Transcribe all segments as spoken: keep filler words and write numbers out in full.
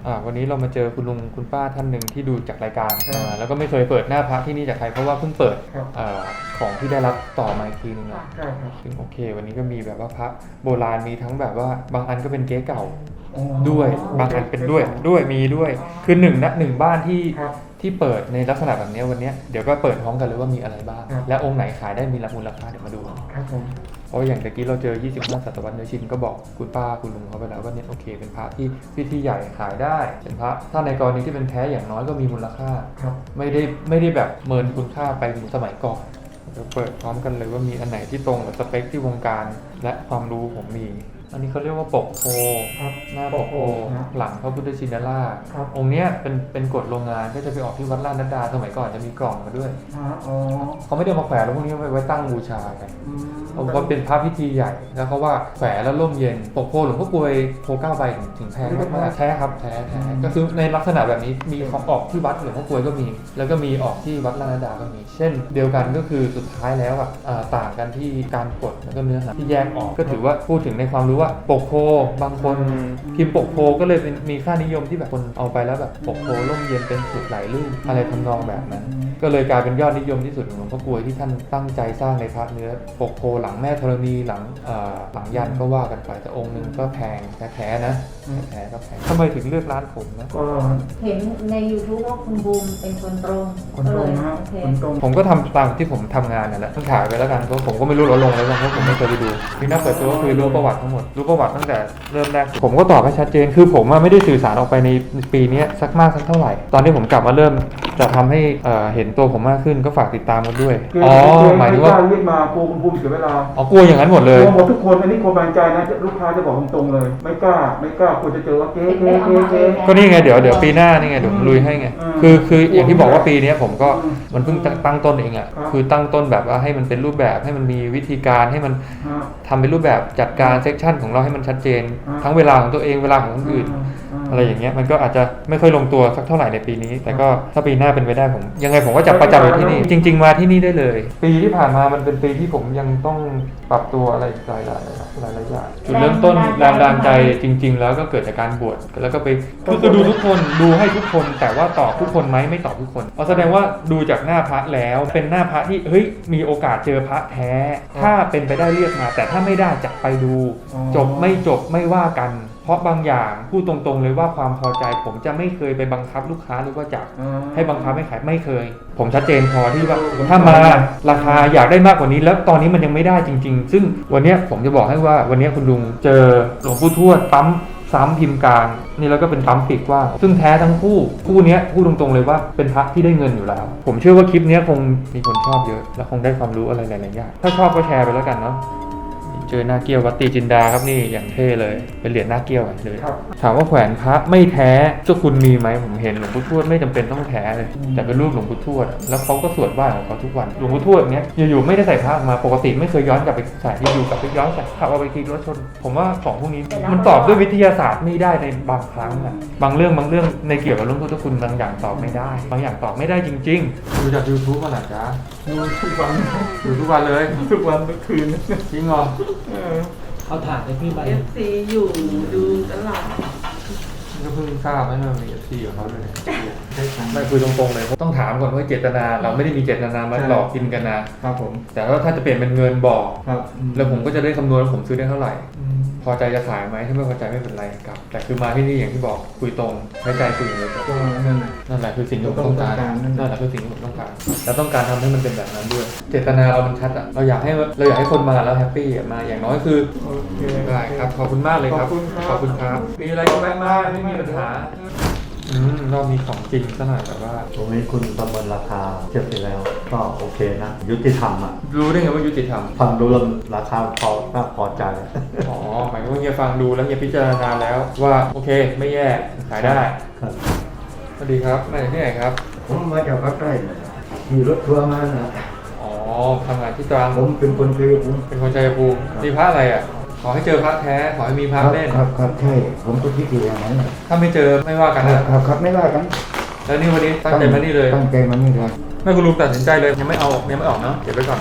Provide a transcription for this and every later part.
อ่าวันนี้เรามาเจอคุณลุงคุณป้าท่านหนึ่งที่ดูจากรายการอ่าแล้วก็ไม่เคยเปิดหน้าพระที่นี่จากใครเพราะว่าเพิ่งเปิดอ่าของที่ได้รับต่อมาอีกทีนึงนะซึ่งโอเควันนี้ก็มีแบบว่าพระโบราณมีทั้งแบบว่าบางอันก็เป็นเก๊เก่าด้วยบางอันเป็นด้วยด้วยมีด้วยคือหนึ่งนะหนึ่งบ้านที่ที่เปิดในลักษณะแบบนี้วันนี้เดี๋ยวก็เปิดพร้อมกันเลยว่ามีอะไรบ้างและองค์ไหนขายได้มีมูลค่าเดี๋ยวมาดูครับผมเพราะอย่างตะกี้เราเจอยี่สิบห้าศตวรรษเนื้อชินก็บอกคุณป้าคุณลุงเขาไปแล้วว่าเนี่ยโอเคเป็นพระที่พิธีใหญ่ขายได้เป็นพระถ้าในกรณีที่เป็นแท้อย่างน้อยก็มีมูลค่าไม่ได้ไม่ได้แบบเมินคุณค่าไปเหมือนสมัยก่อนเราเปิดพร้อมกันเลยว่ามีอันไหนที่ตรงกับสเปคที่วงการและความรู้ผมมีอันนี้เขาเรียกว่าปกโพหน้าปกโพหลังพระพุทธชินราชองค์เนี้ยเป็นเป็นกฎโรงงานก็จะไปออกที่วัดลาดนัดดาสมัยก่อนจะมีกล่องมาด้วยเขาไม่ได้มาแขวนแล้วพวกนี้ไว้ตั้งบูชากันเพราะว่าเป็นพระพิธีใหญ่แล้วเขาว่าแขวนแล้วร่มเย็นปกโพหลวงพ่อกลวยโพเก้าใบถึงแพงมากแท้ครับแท้แท้ก็คือในลักษณะแบบนี้มีของออกที่วัดหลวงพ่อกลวยก็มีแล้วก็มีออกที่วัดลาดนัดดาก็มีเช่นเดียวกันก็คือสุดท้ายแล้วอ่ะต่างกันที่การกดแล้วก็เนื้อหาที่แยกออกก็ถือว่าพูดถึงในความรู้ว่าปกโพบางคนพิมพ์ปกโพก็เลยเป็นมีค่านิยมที่แบบคนเอาไปแล้วแบบปกโพร่มเย็นเป็นสุขไหลลื่นอะไรทำนองแบบนั้นก็เลยกลายเป็นยอดนิยมที่สุดของหลวงพ่อกลวยที่ท่านตั้งใจสร้างในพระเนื้อปกโพหลังแม่ธรณีหลังหลังยันก็ว่ากันไปแต่องค์นึงก็แพงแท้ๆนะแท้ๆก็แพงทำไมถึงเลือกร้านผมนะก็เห็นใน YouTube ว่าคุณบูมเป็นคนตรงคนตรงนะคนตรงผมก็ทำตามที่ผมทำงานนั่นแหละต้องถ่ายไปแล้วกันเพราะผมก็ไม่รู้ลดลงเลยเพราะผมไม่เคยไปดูที่น่าเปิดตัวก็คือรู้ประวัติทั้งหมดรู้ประวัติตั้งแต่เริ่มแรกผมก็ตอบให้ชัดเจนคือผมไม่ได้สื่อสารออกไปในปีนี้สักมากสักเท่าไหร่ตอนที่ผมกลับมาเริ่มจะทำให้เห็นตัวผมมากขึ้นก็ฝากติดตามกันด้วยอ๋อหมายถึงว่าเรียกมาโกงภูมิเสียเวลาอ๋อกลัวอย่างนั้นหมดเลยหมดทุกคนอันนี้คนบางใจนะลูกค้าจะบอกตรงๆเลยไม่กล้าไม่กล้าควรจะเจอว่าเก๊เก๊เก๊เก๊ก็นี่ไงเดี๋ยวเดี๋ยวปีหน้านี่ไงเดี๋ยวผมลุยให้ไงคือคืออย่างที่บอกว่าปีนี้ผมก็มันเพิ่งตั้งต้นเองอ่ะคือตั้งต้นแบบว่าให้มันเป็นรูปแบบให้มันมีวิธีการให้มันทำเป็นรูปแบบจัดการเซกชันของเราให้มันชัดเจนทั้งเวลาของตัวเองเวลาของคนอื่นอะไรอย่างเงี้ยมันก็อาจจะไม่ค่อยลงตัวสักเท่าไหร่ในปีนี้แต่ก็ถ้าปีหน้าเป็นไปได้ผมยังไงผมก็จะประจำอยู่ที่นี่จริงๆมาที่นี่ได้เลยปีที่ผ่านมามันเป็นปีที่ผมยังต้องปรับตัวอะไรหลายๆหลายหลายอย่างจุดเริ่มต้นแรงดันใจจริงๆแล้วก็เกิดจากการบวชแล้วก็ไปคือดูทุกคนดูให้ทุกคนแต่ว่าตอบทุกคนไหมไม่ตอบทุกคนเพราะแสดงว่าดูจากหน้าพระแล้วเป็นหน้าพระที่เฮ้ยมีโอกาสเจอพระแท้ถ้าเป็นไปได้เรียกมาแต่ถ้าไม่ได้จะไปดูจบไม่จบไม่ว่ากันเพราะบางอย่างพูดตรงๆเลยว่าความพอใจผมจะไม่เคยไปบังคับลูกค้าหรือว่าจะให้บังคับให้ขายไม่เคยผมชัดเจนพอที่ว่าถ้ามาราคาอยากได้มากกว่านี้แล้วตอนนี้มันยังไม่ได้จริงๆซึ่งวันนี้ผมจะบอกให้ว่าวันนี้คุณลุงเจอหลวงปู่ทวดปั๊มซ้ำพิมพ์กลางนี่แล้วก็เป็นปั๊มปีกกว้างซึ่งแท้ทั้งคู่คู่นี้พูดตรงๆเลยว่าเป็นพระที่ได้เงินอยู่แล้วผมเชื่อว่าคลิปนี้คงมีคนชอบเยอะและคงได้ความรู้อะไรหลายๆอย่างถ้าชอบก็แชร์ไปแล้วกันเนาะเจอหน้าเกี้ยววัดตีจินดาครับนี่อย่างเท่เลยเป็นเหรียญหน้าเกี้ยวเลยถามว่าแขวนพระไม่แท้เจ้าคุณมีไหมผมเห็นหลวงปู่ทวดไม่จำเป็นต้องแท้เลยแต่เป็นรูปหลวงปู่ทวดแล้วเขาก็สวดไหว้ของเขาทุกวันหลวงปู่ทวดเนี้ยอยู่ๆไม่ได้ใส่พระมาปกติไม่เคยย้อนกลับไปใส่อยู่กับไปย้อนใส่ขับเอาไปขี่รถชนผมว่าของพวกนี้มันตอบด้วยวิทยาศาสตร์ไม่ได้ในบางครั้งอะบางเรื่องบางเรื่องในเกี่ยวกับเรื่องพุทธคุณบางอย่างตอบไม่ได้บางอย่างตอบไม่ได้จริงๆดูจาก YouTube มาหน่อยจ้าดูทุกวันดูทุกวันเลยทุกวันทุกคืนจริงเหรอเอาถ่านไปพี่ใบเอฟซีอยู่ดูตลอดก็เพิ่งทราบว่ามันมี เอฟ ซี ของเขาด้วยไม่คุยตรงๆเลยต้องถามก่อนว่าเจตนาเราไม่ได้มีเจตนามาหลอกกินกันนะครับผมแต่ว่าถ้าจะเปลี่ยนเป็นเงินบอกแล้วผมก็จะได้คำนวณว่าผมซื้อได้เท่าไหร่พอใจจะขายไหมถ้าไม่พอใจไม่เป็นไรครับแต่คือมาที่นี่อย่างที่บอกคุยตรงใช้ใจคุยอย่างเดียวนั่นแหละคือสิ่งที่ผมต้องการนั่นแหละคือสิ่งที่ผมต้องการแล้วต้องการทำให้มันเป็นแบบนั้นด้วยเจตนาเรามันชัดอ่ะเราอยากให้เราอยากให้คนมาแล้วแฮปปี้มาอย่างน้อยคือได้ครับขอบคุณมากเลยครับขอบคุณครับมีอะไรก็แวะมาไม่มีปัญหาอืมเรามีของจริงซะหน่อยแบบว่าตรงนี้คุณประเมินราคาเทียบไปแล้วก็โอเคนะยุติธรรมอ่ะรู้ได้ไงว่ายุติธรรมฟังดูแล้วราคาพอน่าพอใจอ๋อหมายถึงว่าเฮียฟังดูแล้วเฮียพิจารณาแล้วว่าโอเคไม่แย่ขายได้ครับสวัสดีครับมาจากที่ไหนครับผมมาจากภาคใต้มีรถทัวร์มานะอ๋อทำงานที่ตรังผมเป็นคนชัยภูมิเป็นคนชัยภูมิมีพระอะไรอ่ะขอให้เจอพระแท้ขอให้มีพระเล่นครับครับใช่ผมก็คิดอย่างนั้นถ้าไม่เจอไม่ว่ากันนะครับครับไม่ว่ากันแล้วนี่วันนี้ตั้งใจมานี่เลยตั้งใจมานี่เลยไม่คุณลุงตัดสินใจเลยยังไม่เอายังไม่ออกเนาะเก็บไว้ก่อน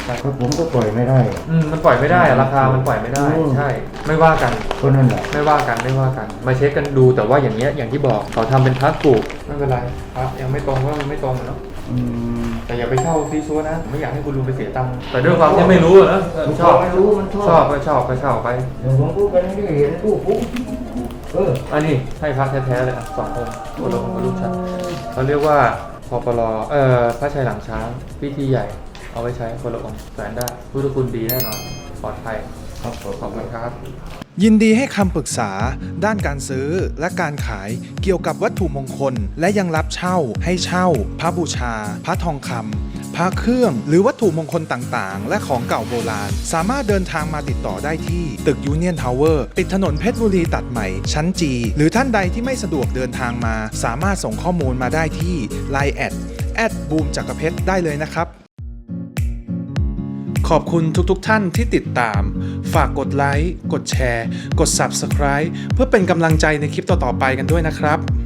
ถ้าผมก็ปล่อยไม่ได้อืมมันปล่อยไม่ได้อะราคามันปล่อยไม่ได้อืมใช่ ไม่ว่ากันก็นั่นแหละไม่ว่ากันไม่ว่ากัน มาเช็คกันดูแต่ว่าอย่างเงี้ยอย่างที่บอกเขาทำเป็นพระปลูกไม่เป็นไรครับยังไม่ตรงก็มันไม่ตรงอะเนาะอืมแต่อย่าไปเช่าซีซัวนะผมไม่อยากให้คุณลุงไปเสียตังค์แต่ด้วยความที่ไม่รู้อะนะเออชอบไม่รู้มันชอบชอบก็ชอบก็เช่าไปเดี๋ยวผมพูดกันนี่เห็นตู้ปุ๊บเอออันนี้ให้พระแท้ๆเลยอ่ะสององค์คนละองค์กับลูกชายเขาเรียกว่าพอปลเอ่อพระชัยหลังช้างพิธีใหญ่เอาไว้ใช้คนละองค์แสนได้พุทธคุณดีแน่นอนปลอดภัยครับผมขอบคุณครับยินดีให้คำปรึกษาด้านการซื้อและการขายเกี่ยวกับวัตถุมงคล และยังรับเช่าให้เช่า พระบูชา พระทองคำพระเครื่องหรือวัตถุมงคลต่างๆ และของเก่าโบราณ สามารถเดินทางมาติดต่อได้ที่ตึกยูเนียนทาวเวอร์ติดถนนเพชรบุรีตัดใหม่ชั้นจีหรือท่านใดที่ไม่สะดวกเดินทางมา สามารถส่งข้อมูลมาได้ที่ ไลน์ แอด แอดบูมจักรเพชรได้เลยนะครับ ขอบคุณทุกๆทท่านที่ติดตาม ฝากกดไลค์ กดแชร์ กด ซับสไครบ์ เพื่อเป็นกำลังใจในคลิปต่อๆไปกันด้วยนะครับ